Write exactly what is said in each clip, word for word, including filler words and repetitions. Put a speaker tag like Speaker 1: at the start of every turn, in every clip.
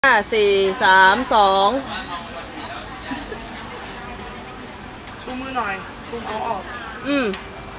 Speaker 1: ห้าสี่สามสอง
Speaker 2: ชูมือหน่อยซูมเอาออก
Speaker 1: อืม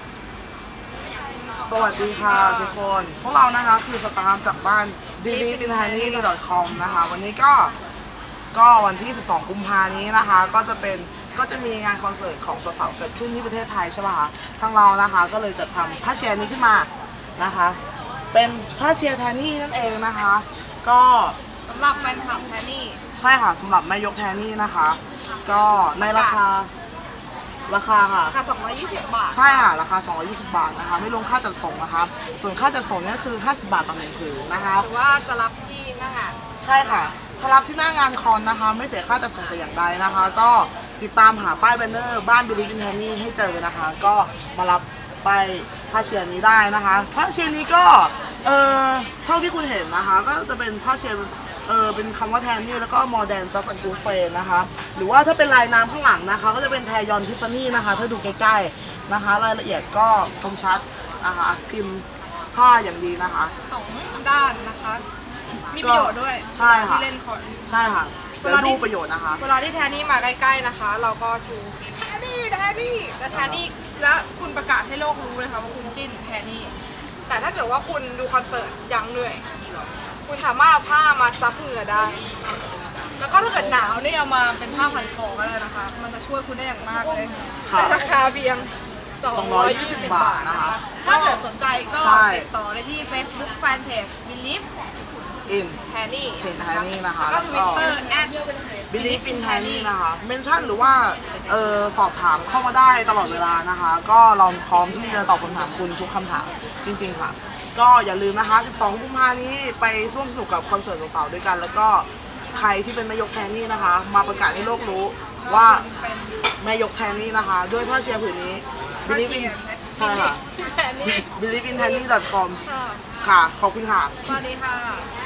Speaker 2: สวัสดีค่ะทุกคนพวกเรานะคะคือสตาฟจากบ้าน บิลลี่ อิน ไทนี่ ดอท คอม นะคะวันนี้ก็ก็วันที่สิบสองกุมภานี้นะคะก็จะเป็นก็จะมีงานคอนเสิร์ตของสาวๆเกิดขึ้นที่ประเทศไทยใช่ป่ะคะทางเรานะคะก็เลยจัดทำผ้าเชียร์นี้ขึ้นมานะคะเป็นผ้าเชียร์แทนนี่นั่นเองนะคะก็
Speaker 3: สำหรับแฟนคลับแทนนี่
Speaker 2: ใช่ค่ะสำหรับแม่ยกแทนนี่นะคะก็ในราคาราคาค่ะ
Speaker 3: ราคาสองร้อยยี่สิบบาท
Speaker 2: ใช่ค่ะราคาสองร้อยยี่สิบบาทนะคะไม่รวมค่าจัดส่งนะคะส่วนค่าจัดส่งนี่คือห้าสิบบาทต่อหนึ่งผืนนะคะ
Speaker 3: หรือว่าจะรับที่หน้างาน
Speaker 2: ใช่ค่ะถ้ารับที่หน้างานคอนนะคะไม่เสียค่าจัดส่งแต่อย่างใดนะคะก็ติดตามหาป้ายแบนเนอร์บ้าน บิลลี่ อิน ไทนี่ ให้เจอนะคะก็มารับป้ายผ้าเชียร์นี้ได้นะคะผ้าเชียร์นี้ก็เออเท่าที่คุณเห็นนะคะก็จะเป็นผ้าเชียร์เออเป็นคำว่าแทนนี่แล้วก็โมเดร์นจัสต์กูเฟนนะคะหรือว่าถ้าเป็นลายน้ำข้างหลังนะคะก็จะเป็นแทยอนทิฟฟานี่นะคะถ้าดูใกล้ๆนะคะรายละเอียดก็คมชัดนะคะพิมพ์ผ้าอย่างดีนะคะ
Speaker 3: สองด้านนะคะมีประโยชน์ด้วย
Speaker 2: ใช่ค่ะ
Speaker 3: ที่เล่นคอน
Speaker 2: ใช่ค่ะเวลาดูประโยชน์นะคะ
Speaker 3: เวลาที่แทนนี่มาใกล้ๆนะคะเราก็ชูแทนนี่แทนนี่และแทนนี่และคุณประกาศให้โลกรู้เลยค่ะว่าคุณจิ้นแทนนี่แต่ถ้าเกิดว่าคุณดูคอนเสิร์ตยังเหนื่อยคุณสามารถเอาผ้ามาซับเหงื่อได้แล้วก็ถ้าเกิดหนาวนี่เอามาเป็นผ้าพันคอก็ได้นะคะมันจะช่วยคุณได้อย่างมากเลยแต่ราคาเพียงสองร้อยยี่สิบบาทนะคะถ้าเกิดสนใจก็ติดต่อได้ที่ Facebook Fanpage Believe
Speaker 2: in
Speaker 3: แทนนี่
Speaker 2: แทนนี่นะคะ
Speaker 3: แล้วก็ Twitter แอด
Speaker 2: Believe in แทนนี่นะคะเมนชั่นหรือว่าเออสอบถามเข้ามาได้ตลอดเวลานะคะก็เราพร้อมที่จะตอบคำถามคุณทุกคำถามจริงๆค่ะก็อย่าลืมนะคะสิบสองกุมภาพันธ์นี้ไปร่วมสนุกกับคอนเสิร์ตสาวๆด้วยกันแล้วก็ใครที่เป็นแม่ยกแทนนี่นะคะมาประกาศให้โลกรู้ว่าแม่ยกแทนนี่นะคะด้วยผ้าเชียร์ผืนนี้ Believe in ใช่ค่ะ Believe in แทนนี่ ดอท คอม ค่ะขอบคุณค่ะ
Speaker 3: สวัสดีค่ะ